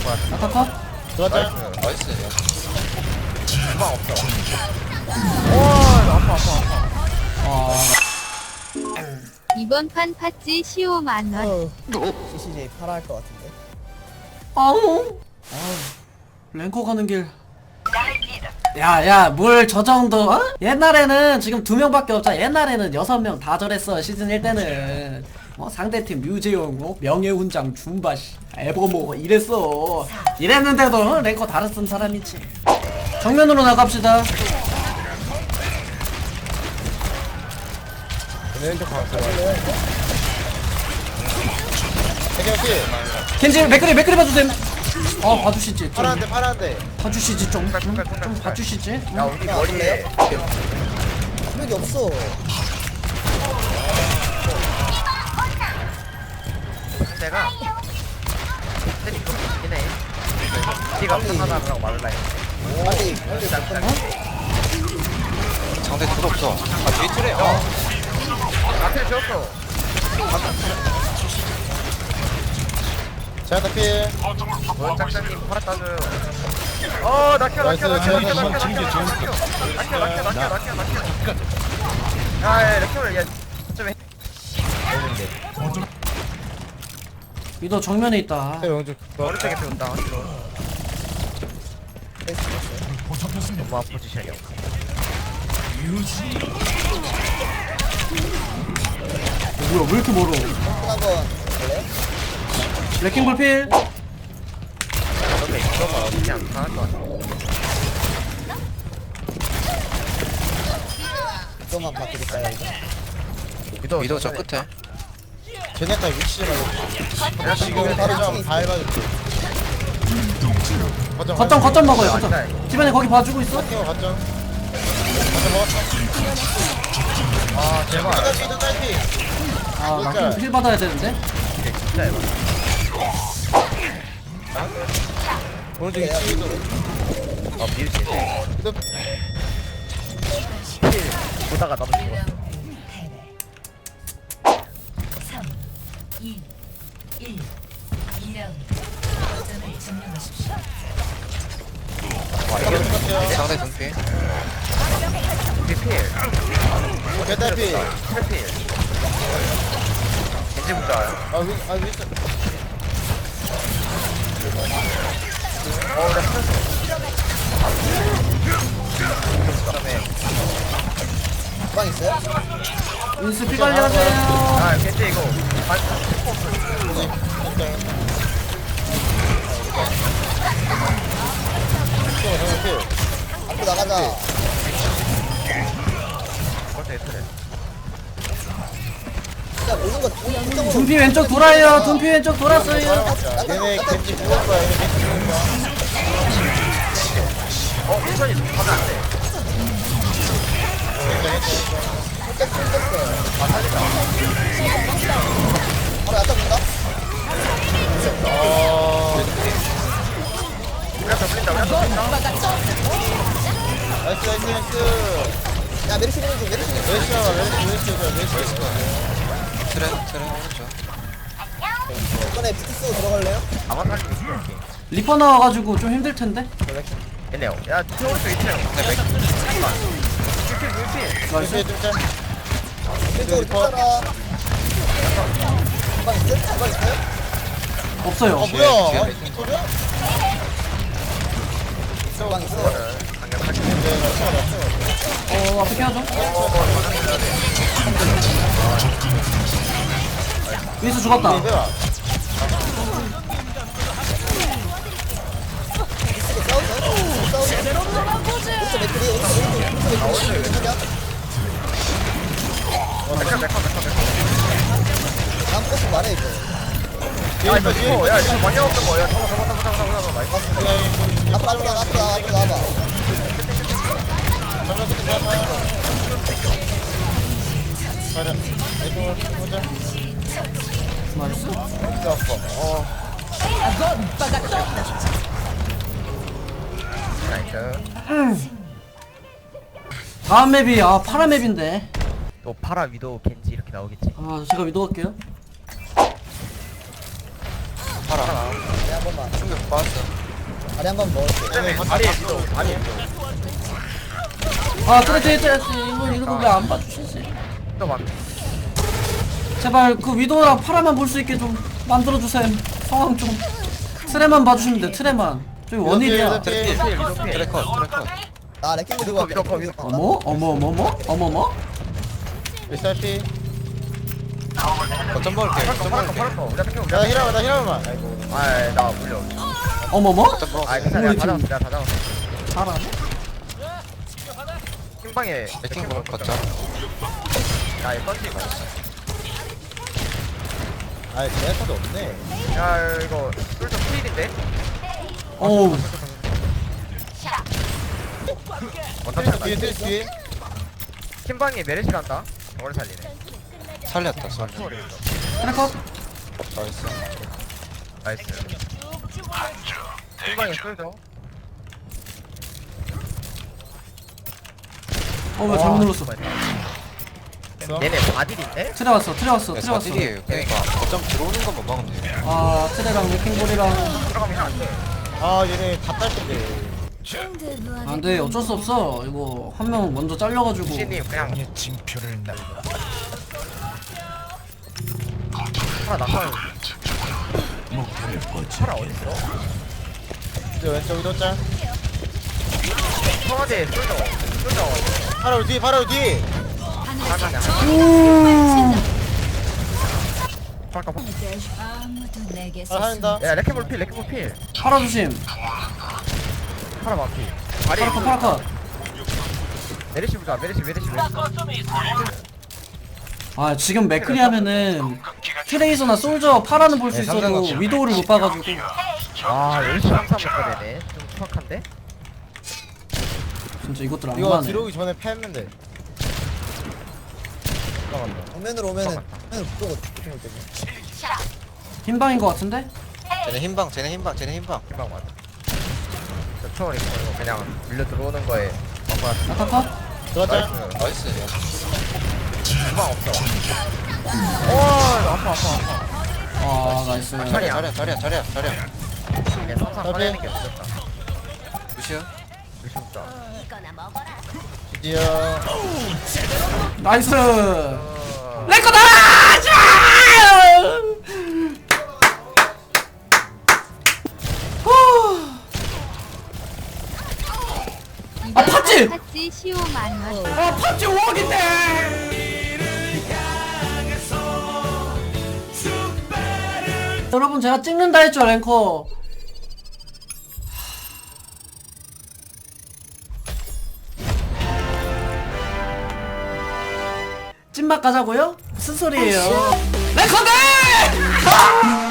아타컷? 들어왔자. 나이스. 주방 없어. 와, 아파. 아 이번 판 팥찌 15만원. CCJ 팔아 할 것 같은데. 아우 랭커 가는 길 야야 뭘 저 정도 어? 옛날에는 지금 2명밖에 없잖아. 옛날에는 6명 다 저랬어. 시즌 1 때는 상대팀 류재용 명예훈장 줌바 에버모 이랬어. 이랬는데도 랭커 다르 쓴 사람이지. 정면으로 나갑시다. 왼쪽 가서. 해결피. 켄지 맥그리 봐주셈. 봐주시지. 좀 파란데. 봐주시지 좀 봐주시지. 야, 우리 머리에. 여기 없어. 상대가. 팬이 그렇게 있긴 해. 니가 하나라고 말을 해. 빨리 상대 틀 없어. 아 뒤에 틀에. 나한테 지웠어. 제가 필. 짝짝님 팔아 따줘요. 낙혀. 야, 낙혀를, 야, 좀 해. 위도 정면에 있다. 영주. 오른쪽에 배운다. 너무 포지션이야. 뭐야 왜 이렇게 멀어? 한번 볼래? 레킹볼 필. 그런데 이거가 그냥 강할 것 같아. 이거만 바꿔줄까요 이거? 위도 저 끝에. 쟤네가 위치 좀 알려. 지금 바로 좀 밟아줄게. 거점 먹어요. 거점. 집안에 거기 봐주고 있어. 거점. 거점 먹었어. 제발. 피도 딸피. 나힐 받아야 되는데. 진짜 해봐. 오른쪽 위치. 미르지. 피도. 보다가 나도 죽었어. 3, 2, 1. 2라운드. 점을 점령하십시오. 상대 등피. 비필. 개딸피. 트래필. 겐지 부자야. 위치. 나 스트레스. 그다음에 빵 있어요? 인스 피 관리하세요. 겐지 이거. 앞으로 나가자. 그것도 예쁘네. 진짜 모든 거 이쪽으로. 둠피 왼쪽 돌아요. 둠피 왼쪽 돌았어요. 얘네 겐지 부을 거야. 얘네 겐지 부을 거야. 천천히 가면 안 돼. 살짝 끊겼어. 바로 야타 본다? 우리가 더 불린다. 나이스. 야 메리시 보는 중. 메리시 틀에 오른쪽. 이번에 비트 쓰고 들어갈래요? 아마 살수 있어. 리퍼 나와가지고 좀 힘들 텐데. 얘네요. 야, 오른쪽 있네요. 나이스. 왼쪽으로 뚫잖아. 빵 있어요? 빵 있어요? 없어요. 뭐야? 뒤에 빅토리야? 빵 있어. 어떻게 하죠? 윈스 죽었다. 다음 코스 말해 이거. 야, 이거 많이 없는 거야. 잡아. 앞으로 나와봐. 나이스. 나이스. 다음 맵이 파라 맵인데. 또 파라 위도 겐지 이렇게 나오겠지. 제가 위도 갈게요. 파라. 한 번만. 충격 받았어. 다리 한 번 먹을게. 다리 있어. 다리 있어. 아 그래 이거 왜 안 봐주시지? 또 막. 제발 그 위도랑 파라만 볼 수 있게 좀 만들어주세요. 상황 좀 트레만 봐주시면 돼. 트레만 저기 원일이야. 트레 필. 트레 컷. 트레 컷. 아 레킹 들고 위도 커, 위도 어머 SRP. 거점 먹을게. 거점 먹을게. 팔았어. 우리가 뺏겨. 나 힐하면 나 힐하면. 아이고. 아이 나 물려. 어머머 거점 먹을게. 아이 괜찮아. 내가 다 잡았어. 내가 다 잡았어. 잘하네. 킹방에 레킹 먹을 거점. 야 이거 던지. 아 제네타도 없네. 야 이거 쫄좀 필인데? 어우 원탑 뒤에 다 뒤에. 킹방에 메르시 간다. 저걸 살리네. 살렸다. 살렸다. 트레컷. 나이스. 나이스. 킹방에 쫄죠. 어왜 잘못 눌렀어. 얘네 바딜인데? 트레 왔어. 트레 왔어. 네, 트레 왔어. 사실이에요. 그러니까 거점 들어오는 것만 막으면 돼요. 아 트레랑 레킹볼이랑 들어가면 안 돼. 아 얘네 다 딸텐데. 안돼 어쩔 수 없어. 이거 한 명 먼저 잘려가지고. 신님 그냥 하나 낙하. 파라 어딨어? 이제 왼쪽 위도 짤. 청와대 쫄죠. 쫄죠. 바로 뒤 바로 뒤. 잠깐만. 잠깐. 아무도 내게 아 한다. 야 레켓볼 필. 레켓볼 필. 파라 조심. 파라 마피. 다리. 파라컷 파라컷. 메르시 보자. 메르시. 아 지금 맥크리 하면은 트레이서나 솔저 파라는 볼 수 네, 있어도 삼성같이. 위도우를 못 봐가지고. 아 열심히 항상 먹게 되네. 좀 추악한데? 진짜 이것들 안 이거 가네. 들어오기 전에 패했는데. 정면으로 오면은 무조건 볼 때문에. 흰방인 것 같은데? 쟤네 흰방. 금방 맞아. 저 초월이 이거 그냥 밀려 들어오는 거에 막아. 아카컷? 들어가자. 나이스. 금방 없어. 오 아파. 아 나이스. 자리야. 그냥 항상 꺼내는 게 없었다. 무시야. 의심부터. 드디어. 나이스. 어... 레코다! 아 팥지! 팥지 시오 만원. 아 팥지 5억인데! 여러분 제가 찍는다 했죠 랭커. 찐맛 가자고요? 무슨 소리예요? 랭커들!